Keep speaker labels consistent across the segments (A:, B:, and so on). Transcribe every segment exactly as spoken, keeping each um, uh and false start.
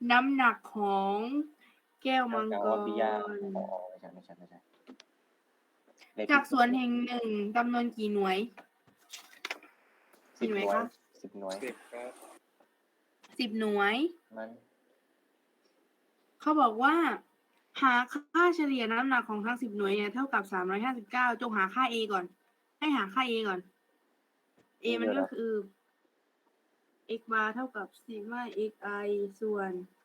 A: น้ำหนักของแก้วมังก
B: อ๋อปิยาร อ๋อไม่ใช่ไม่ใช่ไม่ใช่เลข
A: จาก
B: ผิด
A: สวนแห่งหนึ่งจำนวนกี่หน่วย
B: สิ
A: กี่
B: บ
A: หน่วย
B: หน่วย
A: คะ
B: สิบ หน่วย
C: สิบ ครับ
A: สิบ หน่วย
B: มัน
A: เขาบอกว่า หาค่าเฉลี่ยน้ำหนักของทั้ง สิบ หน่วยเนี่ยเท่ากับ สามร้อยห้าสิบเก้า จงหาค่า A ก่อน ให้หาค่า A ก่อน A มันก็คือ x bar เท่ากับ sigma xi ส่วน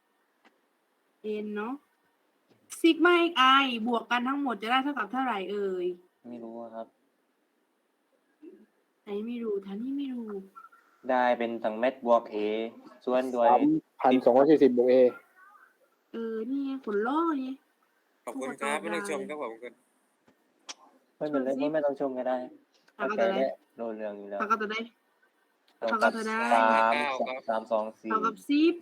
A: n เนาะ sigma xi บวกกันทั้งหมดจะได้เท่ากับเท่าไหร่เอ่ย
B: ไม่รู้อะครับ
A: ไหนไม่รู้ท่านนี่ไม่รู้
B: ได้เป็นทั้งเม็ดบวก A ส่วนด้วย
D: สามพันสองร้อยสี่สิบบวก A
A: เออ นี่ไงผลล่อนี่
C: ขอบคุณครับ ไม่ต้องชมครับขอบคุณ
B: ไม่เป็นไร
A: ชมสิ
B: ไม่ต้องชมก็ได้
A: เอา
B: เข้า
A: ก็
B: ใจ
A: ได้
B: ได้โดนเรื่องอยู่แล้ว
A: เขาก็จะได้
B: เท่า
A: เขาก็
B: กับ
A: จะได้
B: สาม
C: ครับ
B: สามสองสี่
A: เท่ากับสิบ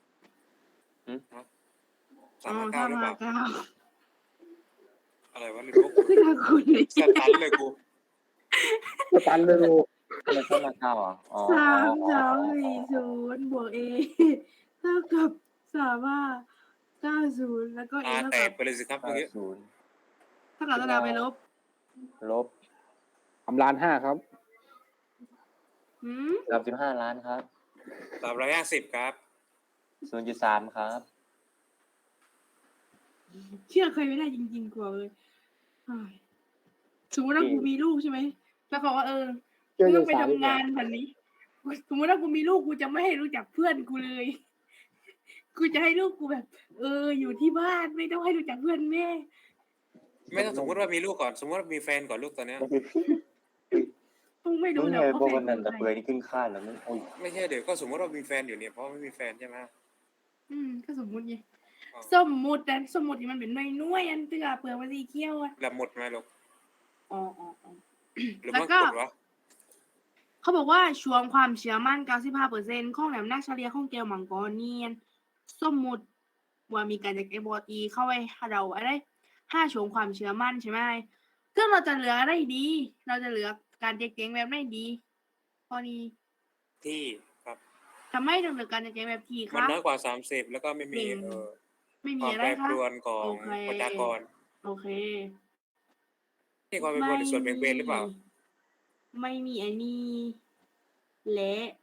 C: สา
A: อ๋
C: ม
A: อ
C: ห้าเก้าหรือเป
A: สามห้า
C: ล่า
A: เก้า
C: อะไรวะลืมว่า
A: คือทางคุณเลย
C: สตันเลยกู
D: สตันเลยดู
B: มันเข้ามาเก้าเหรออ๋อ
A: สาม
B: อ๋อ
A: สาม
B: อ๋อ
A: สี่ศูนย์บวก A เท่ากับสามห้าเก้าศูนย์แล้วก็ A
C: ตา
A: เท่า
C: แต
A: กั
C: ก
A: บ
C: ไปเลยสิครับเมื่อ
B: เก้า
C: กี้
B: ศูนย์
A: เท่ากับเท่ากับไปลบ
B: ลบ
D: ทำล้านห้าครับ
A: หืม
B: สามสิบห้าล้านครับ
C: สามร้อยห้าสิบครับ
B: ศูนย์จุดสามครับ
A: เชื่อใครไม่ได้จริงๆกว่าเลยอ้ายสมมติว่ากูมีลูกใช่ไหมแล้วเขาว่าเออ
D: เชื่อ
A: กูต้องไป
D: เรื่องสาวดีกว่า
A: ทำงานแบบนี้ สมมติว่ากูมีลูกกูจะไม่ให้รู้จักเพื่อนกูเลย กูจะให้ลูกกูแบบ เออ อยู่ที่บ้านไม่ต้องให้รู้จักเพื่อนแม่
C: ไม่ต้องสมมติว่ามีลูกก่อน สมมติว่ามีแฟนก่อนลูกตอนเนี้ย
A: ต้องไม่
B: มึ
A: รู้
B: ง
A: หร
B: ไง
A: อกว่า
B: พวก
A: แฟ
B: วัน
A: น
B: นั้น
A: กู
B: แต่
A: ใคร
B: เปื่อยนี่ขึ้นค่าแล้วมึงโอ้ย
C: ไม่ใช่เดี๋ยวก็สมมติว่ามีแฟนอยู่เนี่ยเพราะไม่มีแฟนใช่ไหม
A: อืมก็สมมุติไง
C: อ๋อ
A: สมมุติแต่สมมุตินี่มันเป็นน้อยๆอันเตือเปลือกมันสีเขียวอ่ะ
C: แล้วหมดไหมลูก
A: อ๋ออ๋ออ๋อ
C: หรือ
A: แล้ว
C: มัน
A: ก็
C: กดวะ
A: เขาบอกว่าช่วงความเชื่อมั่น เก้าสิบห้าเปอร์เซ็นต์ ของน้ำหนักเฉลี่ยของแก้วมังกรเนียนสมมุติว่ามีการจากไอ้บอตีเข้าไปหาเราอะไรห้าช่วงความเชื่อมั่นใช่ไหมซึ่งเราจะเหลืออะไรดี เราจะเหลือการเจ๊งๆแบบไหนดีข้อนี้
C: ที่ครับ
A: ทำไมถึงเหลือการเจ๊งๆแบบที
C: มัน
A: คะ
C: น้อยกว่าสามสิบแล้วก็ไม่มี
A: จริง
C: เอ่อ
A: ไม่
C: ค
A: มี
C: วาม
A: อะไร
C: แปร
A: คะ
C: ปรวนของ
A: โอเค
C: ประชากร
A: โอเค
C: นี่ความแปรปรวนในส่วนแบ่งเบนหรือเปล่า
A: ไม่มีอันนี้ และ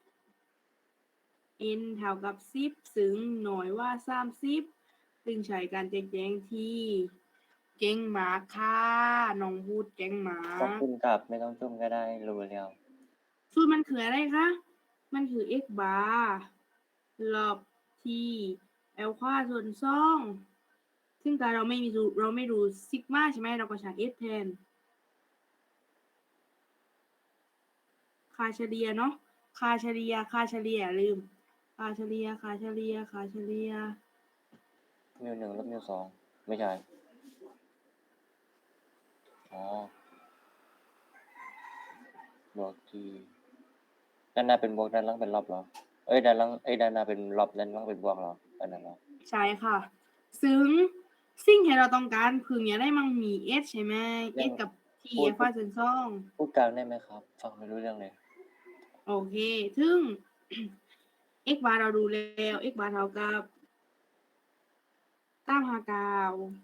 A: n เท่ากับสิบซึ่งหน่อยว่าสามสิบซึ่งใช้การแจกแจงที่เก่งหมาค่ะน้องพูดเก่งหมา
B: ขอบคุณครับไม่ต้องชมก็ได้รู้แล้ว
A: สูตรมันคืออะไรคะ มันคือ x bar ลบ t แอลควาส่วนสองซึ่งการเราไม่มีสูตรเราไม่รู้ซิกมาใช่ไหมเราก็ใช้ s แทน ค่าเฉลี่ยเนาะ ค่าเฉลี่ย ค่าเฉลี่ยลืม ค่าเฉลี่ย ค่าเฉลี่ย ค่าเฉลี่ย
B: มิวหนึ่งลบมิวสองไม่ใช่อ๋อบวกทีด้านหน้าเป็นบวกด้านหล่างเป็นลบเหรอเอ้ยด้านหล่างเอ้ยด้านหน้าเป็นลบด้านหล่างเป็นบวกเหรออันนั้นเหรอ
A: ใช่ค่ะ ซึ่งสิ่งที่เราต้องการพึงอย่าได้มั่งมี s ใช่ไหม s กับ t
B: พูด
A: แอลฟาส่วนสอง
B: พูดกลางได้ไหมครับ ฟังไม่รู้เรื่องเลย
A: โอเค ซึ่ง x bar เราดูแล้ว x bar เท่ากับเก้าห้าเก้า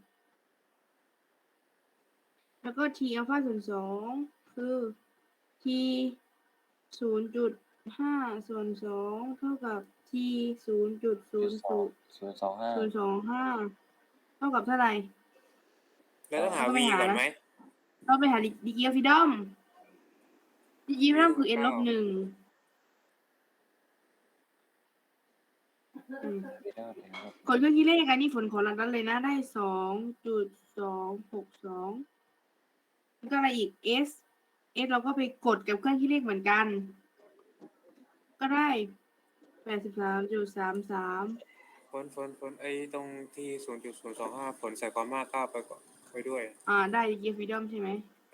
A: แล้วก็ t อัลฟาส่วนสองคือ t ศูนย์จุดห้าส่วนสองเท่ากับ t ศูนย์จุดศูนย์ศูนย์
B: ศูนย์สองห้า
A: ศูนย์สองห้าเท่ากับเท่าไหร่
C: แล้วต้องหา
A: ก็
C: v
A: ไม่หา
C: ก่อน
A: นะ
C: ไหม
A: เราไปหาดีกีออฟฟิดอมดีกีออฟฟิดอมคือ n ลบหนึ่งอืม
B: ไม่ได้เลยครับ
A: กดเครื่องคิดเลขอันนี้ฝนขอรันนั้นเลยนะ ได้สองจุดสองหกสองแล้วก็อะไรอีก s s เราก็ไปกดกับเครื่องคิดเลขเหมือนกัน ก็ได้แปดสิบสามจุดสามสาม
C: ฝนฝนฝนไอ้ตรงที่ศูนย์จุดศูนย์สองห้าฝนใส่ความมากเก้าไปก่อนไปด้วย
A: อ่า ได้ดีกีออฟฟิดอมใช่ไหม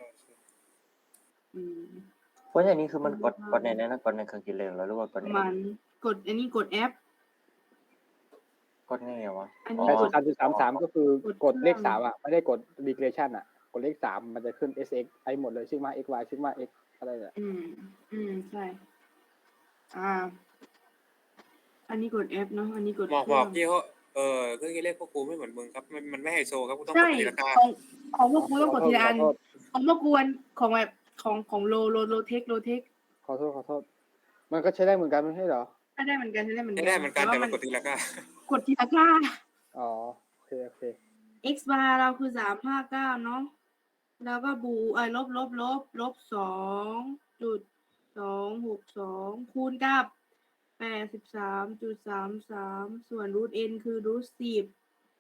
A: อืม
B: เพราะอย่างนี้คือมันกดกดในนั้นนะกดในเครื่องคิดเลขแล้วหรือว่ากดใน
A: มันกดอันนี้กดแอป
B: กดไงอะวะ
A: อัน
B: อ๋
A: นี้
B: อ
D: แปดสิบสามจุดสามสามก็คือก
A: ด
D: กดเลข
A: เครื่อง
D: สามอ่ะไม่ได้กด regression อ่ะกดเลขสามมันจะขึ้น เอส เอ็กซ์ ไอหมดเลย sigma xy sigma x อะไรเนี่ย
A: อืม อืม ใช่ อ่าอันนี้กด F เนาะอันนี้กด
C: หมอก
A: เค
C: หม
A: รื่
C: อ
A: อก ง
C: ที่เขาเออเครื่องคิดเลขพวกกูไม่เหมือนมึงครับมันมันไม่ไฮโซครับกูต้องก
A: ใช่
C: ดตีละกา
A: ของของพวกกูต้องกดทีละอัน
D: ขอโทษ
A: ของพวกกูอันของแบบของของโลโลโลเทคโลเทค
D: ขอโทษขอโทษ มันก็ใช้ได้เหมือนกันไม่ใช่เหรอ
A: ใช้ได้เหมือนกันใช้ได้เหมือนกั
C: ใช้ได้เหมือนกันแต่
A: ว่า
C: มันกดตีละกาก
A: ดทีละค่า
D: อ๋อโอเคโอเค
A: x bar เราคือสามห้าเก้าเนาะแล้วก็บูเอ้ยลบลบลบลบสองจุดสองหกสองคูณกับแปดสิบสามจุดสามสามส่วนรูท n คือรูทสิบ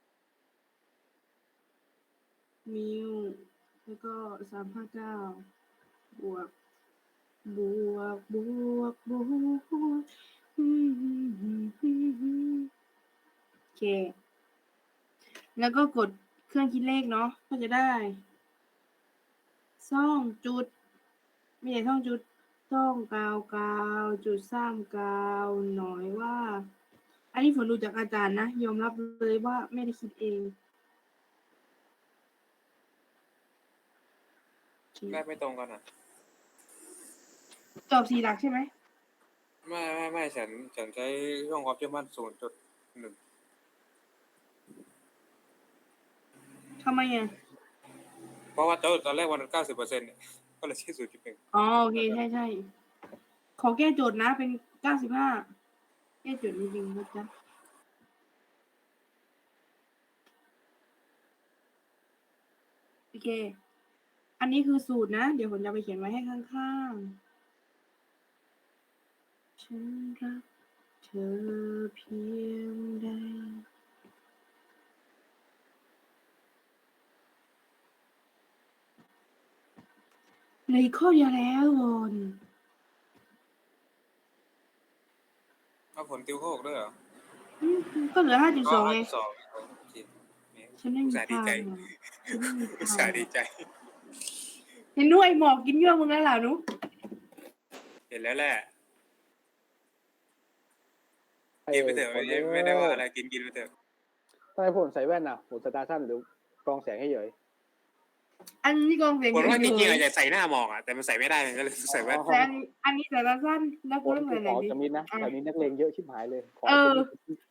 A: มิวแล้วก็สามห้าเก้าบวกบวกบวกบวกอืมโอเค แล้วก็กดเครื่องคิดเลขเนาะก็จะได้ซ่องจุดไม่ใช่ซ่องจุดซ่องกาวกาวจุดซ้ำกาวหน่อยว่า อันนี้ฝนดูจากอาจารย์นะยอมรับเลยว่าไม่ได้คิดเองโอเค
C: ได้ไม่ตรงกันอ่ะ
A: ตอบสี่หลักใช่ไหม
C: ไม่ไม่ไม่ฉันฉันใช้ช่องความเชื่อมั่นศูนย์จุดหนึ่ง
A: ทำไมอ่ะ
C: เพราะว่าตอนตอนแรกวันเก้าสิบเปอร์เซ็นต์ก็เลยใช้ศูนย์จุดหนึ่ง
A: อ๋อโอเคใช่ใช่ขอแก้โจทย์นะเป็นเก้าสิบห้าแก้โจทย์จริงๆนะจ๊ะโอเค อันนี้คือสูตรนะ เดี๋ยวผมจะไปเขียนไว้ให้ข้างๆ ฉันรักเธอเพียงใดเหลยข้อเดียวแล้ววอน
C: เอาผลติวเข้าออกด้วยเหรอ
A: อืมก็เหลือห้าจุดสองไง
C: สองโอเค
A: ฉันไม่
C: อุ
A: มี
C: ตส่าห์ดี
A: ทาง
C: ใจ
A: อะฉันไม่มี
C: อุต
A: ทา
C: ส่าง ห์ดีใจ
A: เห็นด้วยหมอกกินเยื่อมึงแล้วล่ะนุ๊ก
C: เห็นแล้วแหละ
D: ไอ้
C: กินไปเถอะไม่ได้ไม่ได้ว่าอะไรกินกินไปเถอะ
D: ทำไมผมใส่แว่นอ่ะผมสตาร์สั้นหรือกรองแสงให้เฉย
A: อันนี้กองเสียง
C: ผลว่าจ
A: เฉ
C: ริงๆ
A: ย
C: อาจจะใส่หน้าหมอกอ่ะแต่มันใส่ไม่ได้ก็เลยใส่แว่น
A: ๆแต่อันนี้อันนี้แต่ละสั้นแล้ว
D: ผ
A: กู
D: ม
A: ต้องใส่ไหน
D: ขอ
A: ดี
D: จะมิดนะ
A: อ่ะ
D: แต่นี้นักเลงเยอะชิบหายเลยขอ
A: เออ
D: จะมิด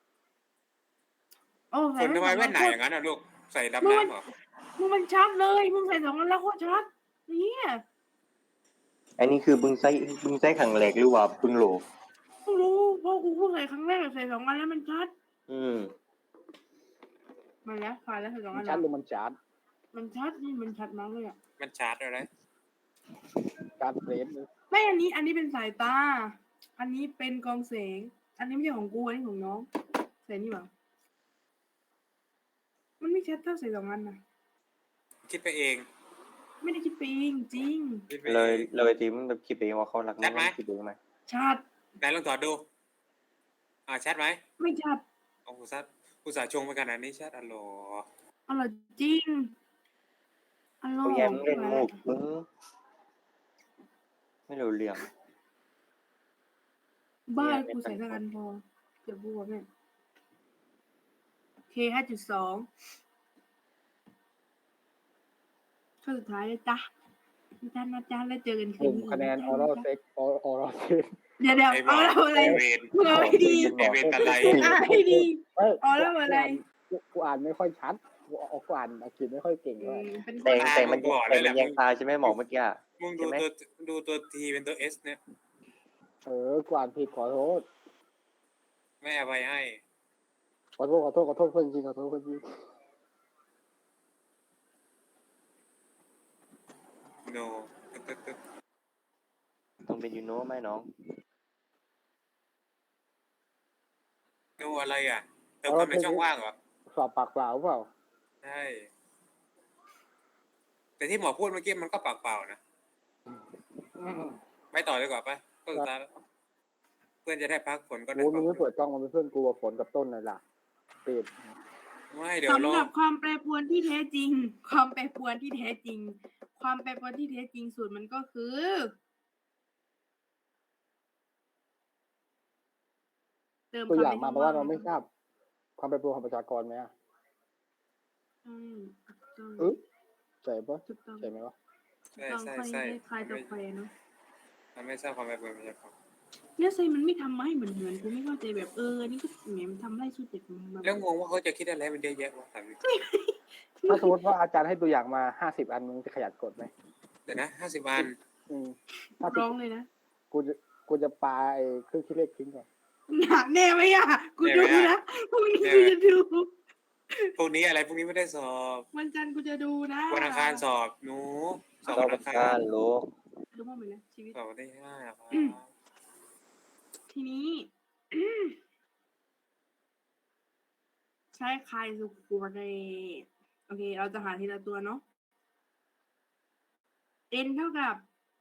A: โอ้
C: ผ
A: ใส่
C: ลทำไม
A: สอง
C: แว่
A: อั
C: น
A: น
C: ไหน
A: โค
C: อ
A: ตร
C: ย่างนั้นอ่ะลูกใส่ดำน้ำเหรอ
A: มึงมันชัดเลยมึงใส่สองอันแล้วโคตรชัดเนี่ย
B: อันนี้คือบึงไส้บึงไส้ขังแหลกหรือว่าบึงโหล
A: กูรู้เพราะกูเพิ่งใส่ครั้งแรกใส่สองอันแล้วมันชัด
B: อืม
A: มาแล้วผ่านแล้วใส่สอง
D: มั
A: อั
D: น
A: น
D: ชัด
A: แล้ว
D: หรือมันจาร์ด
A: มันชัดนี่มันชัดมากเลยอ่ะ
C: มันชาร์จอะไร
D: การเฟรมเลย
A: ไม่อันนี้ อันนี้เป็นสายตา อันนี้เป็นกองแสง อันนี้ไม่ใช่ของกูอันนี้ของน้องใส่นี่หว่ามันไม่ชัดเท่าใส่สองอันนะ
C: คิดไปเอง
A: ไม่ได้คิดไปเองจริง
C: คิดไป
B: เล
C: เอย ง
B: เลยทีมันแบบคิดเองว่าเขารัก
C: ชัดไหม
B: คิดเองไหม
A: ชัด
C: ไหนลองถอดดู อ่าชัดไหม
A: ไม่ชัด
C: โอ้โหชัดอุตส่าห์ชงไปขนาดนี้ชัดอ๋อเหรอ
A: อร่อยจริงอร่อ
B: เขา
A: ย
B: แย้มเล่นมุกมึงไม่รู้เรื่อง
A: บ้านกูใส่สักอันพอเดี๋ยวบัวแม่โอเคห้าจุดสองข้อสุดท้ายเลยจ้ะอาจารย์อาจารย์แล้วเจอกันคื
D: กลุ่
A: น
D: ม
A: นี้
D: คะแนนออรัลเซ็กออรัลเซ็ก
A: เดี๋ยวเดี๋ยว
C: ไอ้บ
A: เอา
C: อก
A: แล้วอะไร
C: ไอ้เวร
A: มึงเอาให้ดี
C: ไอ้เวรอะไร
A: อ่ะให้ดี
D: เอ้ย
A: ออรัลอะไร
D: กูกูอ่านไม่ค่อยชัดกูเอากูอ่านอังกฤษไม่ค่อยเก่ง
A: อื
D: เท่าไหร่
A: มเป็นค
B: แต่
A: น
B: แต่มันแต่มันยังตาใช่ไหมหมอกเมื่อกี้อะ
C: มึงดู
B: ใช่ไหม
C: ตัวดูตัวทีเป็นตัวเอสเนี่ย
D: เออกูอ่านผิดขอโทษ
C: ไม่อภัยให้
D: ขอโทษขอโทษขอโทษเพื่อนจริงขอโทษเพื่อนจริง
C: โนตึ๊ดตึ๊ด
B: ต้องเป็นยูโน่ไหมน้อง
C: โนอะไรอ่ะเติมคำในช่องว่างเหรอ
D: สอบปากเปล่าเปล่า
C: ใช่ แต่ที่หมอพูดเมื่อกี้มันก็ปากเปล่านะ ไม่ต่อดีกว่าปะก็สุดท้ายแล้วเพื่อนจะได้พักฝนก็ได้
D: กู
C: พั
D: มึ
C: ก
D: งไม่เปิดกล้องมันเป็นเพื่อนกูกับฝนกับต้นเลยล่ะปิด
C: ไม่เดี๋ยว
A: สำ
C: รอ
A: หรับความแปรปรวนที่แท้จริง ความแปรปรวนที่แท้จริง ความแปรปรวนที่แท้จริงสูตรมันก็คือ เติม
D: ตัว
A: คำ
D: อย่าง
A: ใน
D: มา
A: ช่อง
D: เพราะว่า
A: ว่าง
D: เราไม่ทราบความเป็นตัวของประชากรไหมอ่ะ
A: อืมถูก
D: เอ
A: ต้อง
D: อใช่ปะ
A: ถูกต้อง
D: ใช่ไหมวะ
A: ถูก
C: ใช่
A: ต้อง
C: ใช่
A: ค่อย
C: ใช่
A: คลายตัวแควเนาะ
C: มันไม่ทราบความเป็นประชากร
A: แล้วไซมันไม่ทำมาให้เหมือนเหมือนกูไม่เข้าใจแบบเอออันนี่ก็แหมมันทำไล่สู้เจ็ดมา
C: แล้วงงว่าเขาจะคิดอะไรมันเยอะแยะวะถามจริง
D: ถ้าสมมติว่าอาจารย์ให้ตัวอย่างมาห้าสิบอันมึงจะขยันกดไหม
C: เดี๋ยวนะห้าสิบอัน
D: อืมถ้า
A: ร้องเลยนะ
D: กูจะกูจะปาไอ้เครื่องคิดเลขทิ้งก่อน
A: หนักแน่ไหมอ่ะกูดูนะพรุ่งนี้กูจะดู
C: พวกนี้อะไรพวกนี้ไม่ได้สอบ
A: วันจันทร์กูจะดูนะ
C: วันอังคารสอบหนูสอบ
B: เรา
C: วัน
B: เป็
C: อั
B: น
C: งคา
B: การ รรู้
A: ดูบ้างไหมนะชีวิต
C: สอบวันที่ห้าครับ
A: ทีนี้ ใช้ใครสุกูเรโอเค เราจะหาทีละตัวเนาะ n เท่ากับ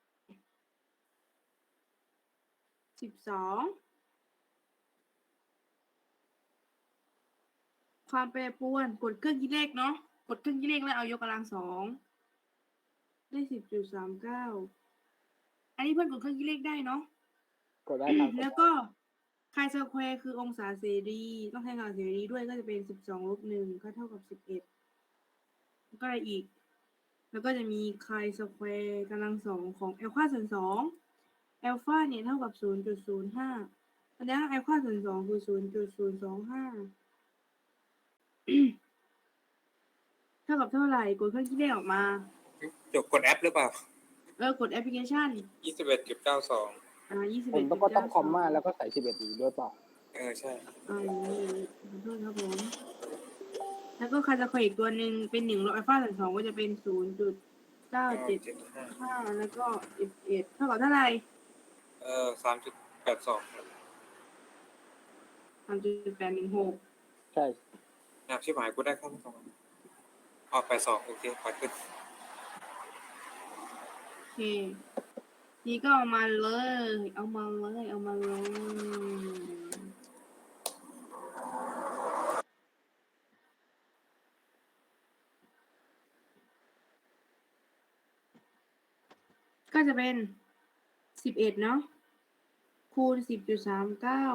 A: สิบสองความแปรปรวนกดเครื่องคิดเลขเนาะกดเครื่องคิดเลขแล้วเอายกกำลังสองได้สิบจุดสามเก้าอันนี้เพื่อนกดเครื่องคิดเลขได้เนาะ
D: กดได้ครับ
A: แล้วก็ไคสแควร์คือองศาเสรี ต้องใช้องศาเสรีด้วยก็จะเป็นสิบสองลบหนึ่งก็เท่ากับสิบเอ็ดก็อะไรอีก แล้วก็จะมีไคสแควร์กำลังสองของแอลฟาส่วนสองแอลฟาเนี่ยเท่ากับศูนย์จุดศูนย์ห้าแสดงว่าแอลฟาส่วนสองคือศูนย์จุดศูนย์สองห้าเท่ากับเท่าไหร่กดเครื่องคิดเลขออกมา
C: จบกดแอปหรือเปล่า
A: เออกดแอปพลิเคชัน
C: ยี่สิบเอ็ดจุดเก้าสอง
A: อ่ายี่สิบ
D: ผ
A: เอ็
D: ม
A: ด
D: ต้องก็ต้องคอมมาแล้วก็ใส่สิบเอ็ดอีกด้วยเปล่า
C: เออใช่
A: อ่าอย่างนี้ขอโทษครับผม แล้วก็คาจะคอยอีกตัวหนึ่งเป็นหนึ่งลบอัลฟาส่วนสองก็จะเป็นศูนย์จุดเก้าเจ็ด
C: เจ็ดห้า
A: ห้าแล้วก็เอ็ดเอ็ดเท่ากับเท่าไหร่
C: เออสามจุดแปดสอง
A: สามจุดแปดหนึ่งหก
D: ใช่
C: หนักชิบหายกูได้ข้อมูลออกไปสองโอเคขอขึ้น
A: โอเค นี่ก็เอามาเลย เอามาเลย เอามาเลย ก็จะเป็นสิบเอ็ดเนาะคูณสิบจุดสามเก้า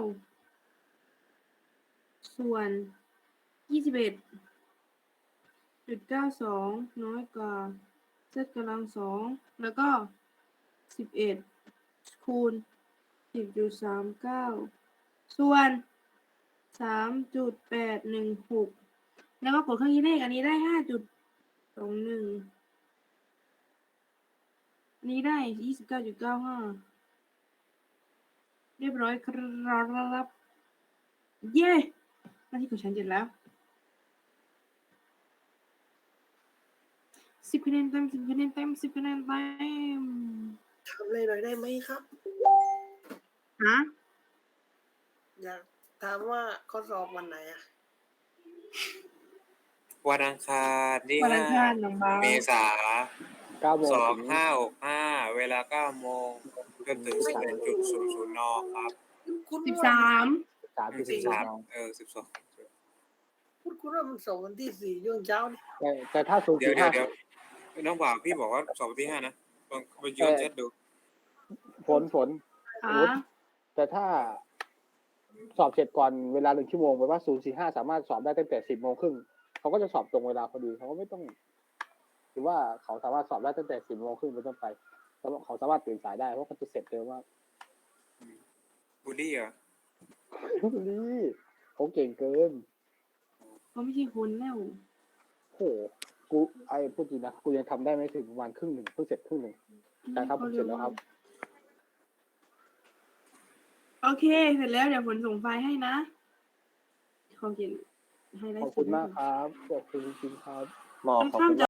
A: ส่วนยี่สิบเอ็ดจุดเก้าสองน้อยกว่าเซตกำลังสองแล้วก็สิบเอ็ดคูณสิบจุดสามเก้าส่วนสามจุดแปดหนึ่งหกแล้วก็กดเครื่องคิดเลขอันนี้ได้ห้าจุดสองหนึ่งอันนี้ได้ยี่สิบเก้าจุดเก้าห้าเรียบร้อยครับเย้หน้าที่ของฉันเสร็จแล้วสิบคะแนนเต็มสิบคะแนนเต็มสิบคะแนนเต็ม
E: ทำอะไรหน่อยได้ไหมครับ
A: ฮะ
E: อยากถามว่าเขาสอบวันไหนอ่ะ
C: วันอังคารที่
A: วันอั
C: ห้าง
A: คารน้องบา
C: เมษา
D: เก้าโมง
C: สอง
D: ถึง
C: ห้าหกห้าเวลาเก้าโมงจนถึงสิบเอ็ดจุดศูนย์ศูนย์นครับ
E: คุณ
A: สิบ
E: ว่า
A: สาม
D: สามจุด
C: สิ
D: สี่
C: บสามเออสิบสอง
E: คุณคุณว่ามันสอบวันที่สี่ช่วงเช้านี่
D: แต่แต่ถ้าศูนย์
C: เดี๋ย
D: จุ
C: ว
D: ด
C: เดี๋ย
D: ห้าว
C: เดี๋ยวน้องบ่าวพี่บอกว่าสอบวันที่ห้านะลองไปย้อนแชทดู
D: ฝนฝน
A: อ่า
D: แต่ถ้าสอบเสร็จก่อนเวลาหนึ่งชั่วโมงแปลว่าศูนย์สี่ห้าสามารถสอบได้ตั้งแต่สิบโมงครึ่งเขาก็จะสอบตรงเวลาพอดีเขาก็ไม่ต้องหรือว่าเขาสามารถสอบได้ตั้งแต่สิบโมงครึ่งเป็นต้นไปเขาสามารถตื่นสายได้เพราะเขาจะเสร็จเร็วมาก
C: บูลลี่เหรอ
D: นี่เขาเก่งเกิน
A: เขาไม่ใช่คนแล้ว
D: โหกูไอ้พูดจริงนะกูยังทำได้ไม่ถึงประมาณครึ่งหนึ่งเพิ่งเสร็จครึ่งหนึ่ง แต่ครับผมเสร็จแล้วครับ
A: โอเค เสร็จแล้วเดี๋ยวผลส่งไฟล์ให้นะขอเขียนให้ได้
D: ขอบคุณมากครับขอบคุณจริงๆครับ
B: หมอ
A: ค่อน
B: ขอบ
A: ข้าง
B: คุณ
A: จะ